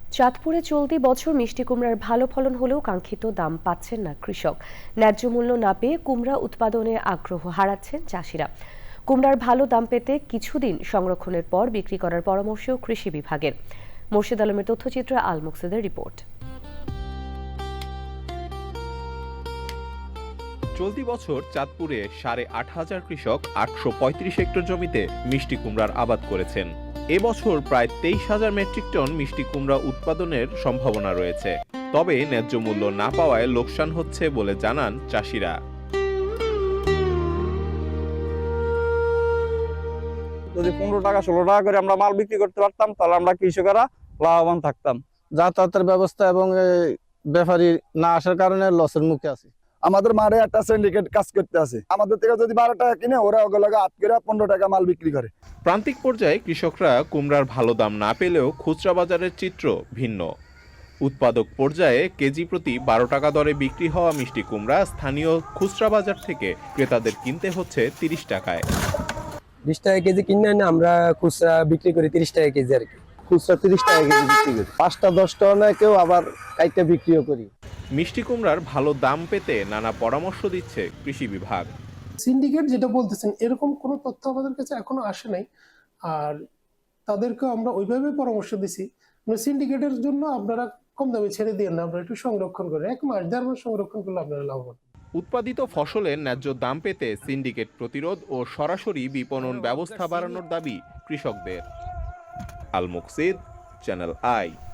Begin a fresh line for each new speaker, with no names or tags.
চাঁদপুরে চলতি বছর মিষ্টি কুমড়ার ভালো ফলন হলেও কাঙ্ক্ষিত দাম পাচ্ছেন না কৃষক। ন্যায্য মূল্য না পেয়ে কুমড়া উৎপাদনে আগ্রহ হারাচ্ছেন চাষিরা। কুমড়ার ভালো দাম পেতে কিছুদিন সংরক্ষণের পর বিক্রি করার পরামর্শ কৃষি বিভাগের। মোর্শেদ আলমের তথ্যচিত্রে আল মুকসিদের রিপোর্ট।
চলতি বছর চাঁদপুরে 8,500 কৃষক 835 হেক্টর জমিতে মিষ্টি কুমড়ার আবাদ করেছেন। এবছর প্রায় 23,000 মেট্রিক টন মিষ্টি কুমড়া উৎপাদনের সম্ভাবনা রয়েছে। তবে ন্যায্য মূল্য না পাওয়ায় লোকসান হচ্ছে বলে জানান চাষিরা।
যদি 15 টাকা 16 টাকা করে আমরা মাল বিক্রি করতে পারতাম তাহলে আমরা কৃষকেরা লাভবান থাকতাম। যাতায়াতের ব্যবস্থা এবং ব্যাপারী না আসার কারণে লসের মুখে আছি।
আমাদের মারে একটা সিন্ডিকেট কাজ করতে আছে, আমাদের থেকে যদি 12 টাকা কিনে ওরা ওগুলোকে 8 করে 15 টাকা মাল বিক্রি করে।
প্রান্তিক পর্যায়ে কৃষকরা কুমড়ার ভালো দাম না পেলেও খুচরা বাজারের চিত্র ভিন্ন। উৎপাদক পর্যায়ে কেজি প্রতি 12 টাকা দরে বিক্রি হওয়া মিষ্টি কুমড়া স্থানীয় খুচরা বাজার থেকে ক্রেতাদের কিনতে হচ্ছে 30 টাকায়।
20 টাকা কেজি কিনে না আমরা খুচরা বিক্রি করি 30 টাকা কেজি আর কি।
খুচরা 30 টাকা কেজি বিক্রি করি, 5টা 10 টাকা না কেউ আবার কাইটে বিক্রিও করি।
মিষ্টি কুমড়ার ভালো দাম পেতে নানা পরামর্শ দিচ্ছে কৃষি বিভাগ।
সিন্ডিকেট যেটা বলতেছেন এরকম কোনো তথ্য আমাদের কাছে এখনো আসে নাই, আর তাদেরকে আমরা ওইভাবে পরামর্শ দিছি সিন্ডিকেটের জন্য আপনারা কম দামে ছেড়ে দিয়ে না, আমরা একটু সংরক্ষণ করে 1 মাস 1.5 মাস সংরক্ষণ করলে আপনারা লাভবান।
উৎপাদিত ফসলের ন্যায্য দাম পেতে সিন্ডিকেট প্রতিরোধ ও সরাসরি বিপণন ব্যবস্থা বাড়ানোর দাবি কৃষকদের। Al Muksid, channel I.